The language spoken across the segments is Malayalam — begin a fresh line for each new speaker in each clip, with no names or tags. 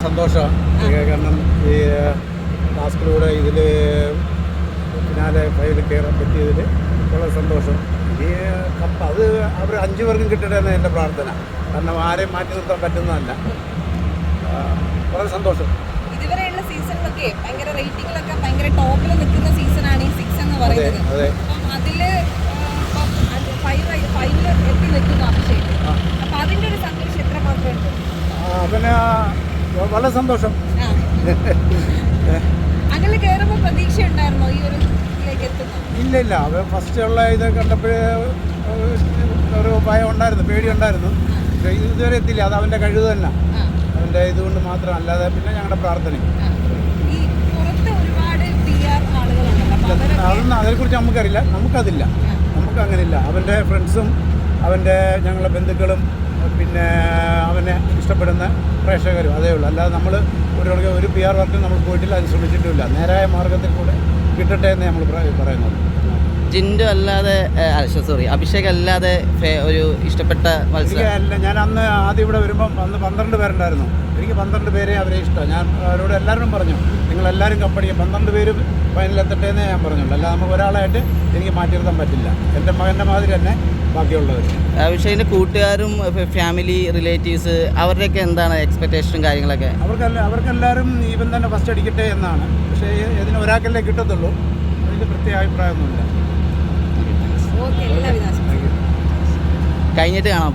സന്തോഷമാണ് കാരണം ഈ ടാസ്കിലൂടെ ഇതിൽ ഫിനാലെ ഫൈനൽ കയറാൻ പറ്റിയതിൽ വളരെ സന്തോഷം. ഈ കപ്പ് അത് അവർ 5 പേർക്കും കിട്ടട്ടെ എന്ന് എൻ്റെ പ്രാർത്ഥന. കാരണം ആരെയും മാറ്റി നിർത്താൻ പറ്റുന്നതല്ല. വളരെ സന്തോഷം.
ഇതുവരെയുള്ള സീസണിലൊക്കെ ഭയങ്കര റേറ്റിംഗിലൊക്കെ ഭയങ്കര ടോപ്പിൽ നിൽക്കുന്ന സീസണാണ് ഈ 6 എന്ന് പറയുന്നത്. അപ്പം അതിൽ ഫൈനൽ എത്തി നിൽക്കുന്നു അഭിഷേക്. അപ്പം അതിൻ്റെ ഒരു സന്തോഷം എത്രമാത്രം ഉണ്ട്?
പിന്നെ വളരെ സന്തോഷം.
അങ്ങനെ കയറുമ്പോൾ പ്രതീക്ഷ ഉണ്ടായിരുന്നോ ഈ ഒരു ഇതിലേക്ക് എത്തുന്നത്?
ഇല്ല അവർ ഫസ്റ്റ് ഉള്ള ഇത് കണ്ടപ്പോഴേ ഒരു ഭയം ഉണ്ടായിരുന്നു, പേടിയുണ്ടായിരുന്നു. പക്ഷേ ഇതുവരെ എത്തില്ല. അത് അവൻ്റെ കഴിവ് തന്നെ, അവൻ്റെ ഇതുകൊണ്ട് മാത്രം, അല്ലാതെ പിന്നെ ഞങ്ങളുടെ പ്രാർത്ഥന.
ഈ പുറത്ത് ഒരുപാട് PR ആളുകളുണ്ടല്ലോ,
അതൊന്നും അതിനെക്കുറിച്ച് നമുക്കറിയില്ല. നമുക്കതില്ല, നമുക്ക് അങ്ങനെയില്ല. അവൻ്റെ ഫ്രണ്ട്സും അവൻ്റെ ഞങ്ങളുടെ ബന്ധുക്കളും പിന്നെ അവനെ ഇഷ്ടപ്പെടുന്ന പ്രേക്ഷകരും അതേ ഉള്ളൂ. അല്ലാതെ നമ്മൾ ഒരു PR വർക്കും നമ്മൾ പോയിട്ടില്ല, അത് ശ്രമിച്ചിട്ടുമില്ല. നേരായ മാർഗത്തിൽ കൂടെ കിട്ടട്ടെ എന്ന് നമ്മൾ പറയുന്നത്.
ജിൻഡു അല്ലാതെ അഭിഷേക് അല്ലാതെ ഒരു ഇഷ്ടപ്പെട്ട
അല്ല, ഞാൻ അന്ന് ആദ്യം ഇവിടെ വരുമ്പം അന്ന് 12 പേരുണ്ടായിരുന്നു. എനിക്ക് 12 പേരെ അവരെ ഇഷ്ടമാണ്. ഞാൻ അവരോട് എല്ലാവരും പറഞ്ഞു, നിങ്ങളെല്ലാവരും കപ്പടിക്കുക, 12 പേരും ഫൈനലെത്തട്ടെ എന്നേ ഞാൻ പറഞ്ഞുള്ളൂ. അല്ലാതെ നമുക്ക് ഒരാളായിട്ട് എനിക്ക് മാറ്റി നിർത്താൻ പറ്റില്ല. എൻ്റെ മകൻ്റെ മാതിരി തന്നെ ബാക്കിയുള്ളവർ.
അഭിഷേകിൻ്റെ കൂട്ടുകാരും ഫാമിലി റിലേറ്റീവ്സ് അവരുടെയൊക്കെ എന്താണ് എക്സ്പെക്റ്റേഷനും കാര്യങ്ങളൊക്കെ?
അവർക്കെല്ലാവരും ഈവൻ തന്നെ ഫസ്റ്റ് അടിക്കട്ടെ എന്നാണ്. പക്ഷേ ഇതിന് ഒരാൾക്കല്ലേ കിട്ടത്തുള്ളൂ. അതിൽ പ്രത്യേക അഭിപ്രായമൊന്നുമില്ല.
കഴിഞ്ഞിട്ട് കാണാം.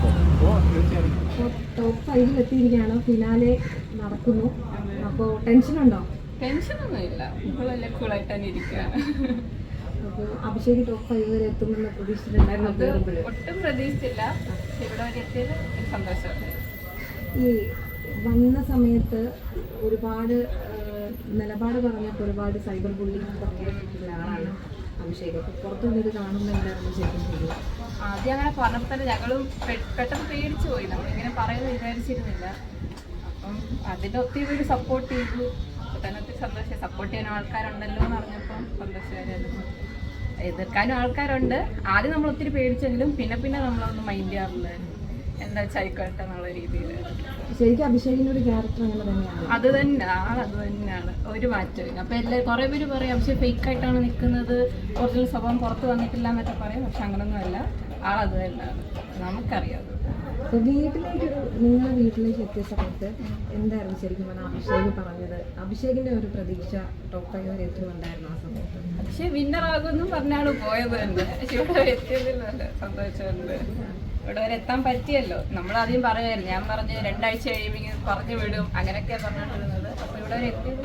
ടോപ്പ് 5 എത്തിയിരിക്കുകയാണ്, ഫിനാലെ നടക്കുന്നു. അപ്പോൾ ടെൻഷനുണ്ടോ?
ടെൻഷനൊന്നുമില്ല, കൂളായിട്ട് തന്നെ ഇരിക്കുകയാണ്.
അപ്പോൾ അഭിഷേക് ടോപ്പ് 5 വരെ എത്തുമെന്ന് പ്രതീക്ഷിച്ചിട്ടുണ്ടായിരുന്നു?
ഒട്ടും പ്രതീക്ഷിച്ചില്ല. ഇവിടെ വരെ എത്തിയത് സന്തോഷമാണ്.
ഈ വന്ന സമയത്ത് ഒരുപാട് നിലപാട് പറഞ്ഞപ്പോൾ ഒരുപാട് സൈബർ ബുള്ളിങ് ഒക്കെ ഉള്ള ആളാണ് അഭിഷേക്. അപ്പോൾ പുറത്തുനിന്നത് കാണുമ്പോൾ എന്തായിരുന്നു ശരിക്കും ചെയ്യുക?
ആദ്യം അങ്ങനെ പറഞ്ഞപ്പോൾ തന്നെ ഞങ്ങളും പെട്ടെന്ന് പേടിച്ചു പോയി. നമ്മളിങ്ങനെ പറയുന്നത് വിചാരിച്ചിരുന്നില്ല. അപ്പം അതിൻ്റെ ഒത്തിരി പേര് സപ്പോർട്ട് ചെയ്തു. അപ്പോൾ തന്നെ ഒത്തിരി സന്തോഷം. സപ്പോർട്ട് ചെയ്യാൻ ആൾക്കാരുണ്ടല്ലോ എന്ന് പറഞ്ഞപ്പം സന്തോഷമായിരുന്നു. എതിർക്കാനും ആൾക്കാരുണ്ട്. ആദ്യം നമ്മൾ ഒത്തിരി പേടിച്ചെങ്കിലും പിന്നെ നമ്മളൊന്നും മൈൻഡ് ചെയ്യാറുണ്ടായിരുന്നു. എന്താ വെച്ചായിക്കോട്ടെ എന്നുള്ള രീതിയിൽ.
ശരിക്കും അഭിഷേകിൻ്റെ ഒരു ക്യാരക്ടർ അങ്ങനെ തന്നെയാണ്.
അത് തന്നെയാണ്, ഒരു മാറ്റമില്ല. അപ്പോൾ കുറേ പേര് പറയും അഭിഷേക് ഫേക്കായിട്ടാണ് നിൽക്കുന്നത്, ഒറിജിനൽ സ്വഭാവം പുറത്ത് വന്നിട്ടില്ല എന്നൊക്കെ പറയും. പക്ഷെ അങ്ങനൊന്നുമല്ല, ആളത് തന്നെയാണ്, നമുക്കറിയാം.
അപ്പോൾ നിങ്ങളുടെ വീട്ടിലേക്ക് എത്തിയ സമയത്ത് എന്തായിരുന്നു ശരിക്കും പറഞ്ഞാൽ അഭിഷേക് പറഞ്ഞത്? അഭിഷേകിൻ്റെ ഒരു പ്രതീക്ഷ ടോപ്പ് 5 വരെ എത്തുന്നുണ്ടായിരുന്നു ആ സമയത്ത്?
പക്ഷേ വിന്നറാകുമെന്നും പറഞ്ഞാണ് പോയത് തന്നെ. പക്ഷെ ഇവിടെ എത്തിയതിൽ നല്ല സന്തോഷമുണ്ട്. ഇവിടെ വരെ എത്താൻ പറ്റിയല്ലോ. നമ്മളാദ്യം പറയുമായിരുന്നു, ഞാൻ പറഞ്ഞ് 2 ആഴ്ച കഴിയുമ്പോൾ പറഞ്ഞു വിടും, അങ്ങനെയൊക്കെയാണ് പറഞ്ഞുകൊണ്ടിരുന്നത്. അപ്പോൾ ഇവിടെ വരെ എത്തിയതിൽ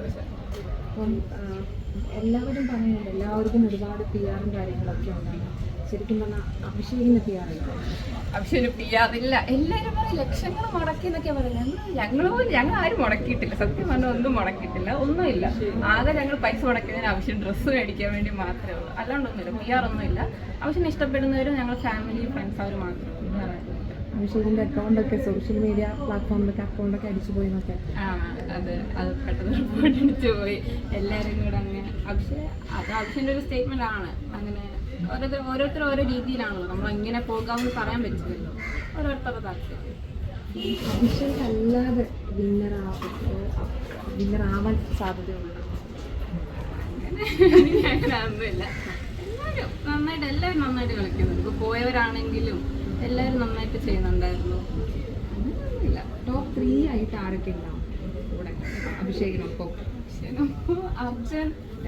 അപ്പം എല്ലാവരും പറയുന്നുണ്ട്, എല്ലാവർക്കും ഒരുപാട് PR കാര്യങ്ങളൊക്കെ ഉണ്ടാകും. ശരിക്കും പറഞ്ഞാൽ അഭിഷേകിന് PR ഇല്ല.
അഭിഷേകിന് PR ഇല്ല. എല്ലാവരും പറയും ലക്ഷങ്ങൾ മുടക്കി എന്നൊക്കെയാണ് പറയുന്നത്. ഞങ്ങൾ ആരും മുടക്കിയിട്ടില്ല. സത്യം പറഞ്ഞാൽ ഒന്നും മുടക്കിയിട്ടില്ല, ഒന്നുമില്ല. ആകെ ഞങ്ങൾ പൈസ മുടക്കിയതിന് ആവശ്യം ഡ്രസ്സ് മേടിക്കാൻ വേണ്ടി മാത്രമേ ഉള്ളൂ. അല്ലാണ്ടൊന്നുമില്ല, PR ഒന്നുമില്ല. ആവശ്യം ഇഷ്ടപ്പെടുന്നവരും ഞങ്ങൾ ഫാമിലി ഫ്രണ്ട്സ് അവർ മാത്രം.
അഭിഷേകിൻ്റെ അക്കൗണ്ടൊക്കെ സോഷ്യൽ മീഡിയ പ്ലാറ്റ്ഫോമിലൊക്കെ അക്കൗണ്ടൊക്കെ അടിച്ചു പോയി എന്നൊക്കെ.
അത് പെട്ടെന്ന് റിപ്പോർട്ട് അടിച്ചു പോയി എല്ലാവരും കൂടെ. അങ്ങനെ അഭിഷേകിൻ്റെ ഒരു സ്റ്റേറ്റ്മെൻ്റ് ആണ്. അങ്ങനെ ഓരോരുത്തർ ഓരോ രീതിയിലാണല്ലോ, നമ്മൾ ഇങ്ങനെ പോകാമെന്ന് പറയാൻ പറ്റില്ലല്ലോ, ഓരോരുത്തരുടെ താല്പര്യം.
അഭിഷേക് അല്ലാതെ വിന്നറാവാൻ സാധ്യതയുണ്ട്?
അങ്ങനെയൊന്നുമില്ല. എല്ലാവരും നന്നായിട്ട് കളിക്കുന്നുണ്ട്. ഇപ്പോൾ പോയവരാണെങ്കിലും എല്ലാവരും നന്നായിട്ട് ചെയ്യുന്നുണ്ടായിരുന്നു. അങ്ങനെയൊന്നുമില്ല.
ടോപ്പ് 3 ആയിട്ട് ആരൊക്കെ ഉണ്ടാവും ഇവിടെ അഭിഷേകിനൊപ്പം?
അർജുൻ,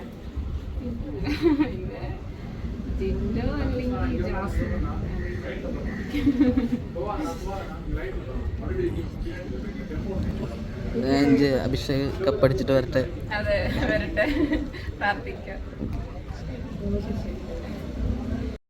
ജിൻഡോ അല്ലെങ്കിൽ ജാസു.
അഭിഷേക് കപ്പടിച്ചിട്ട് വരട്ടെ.
അതെ, വരട്ടെ, പ്രാർത്ഥിക്കാം.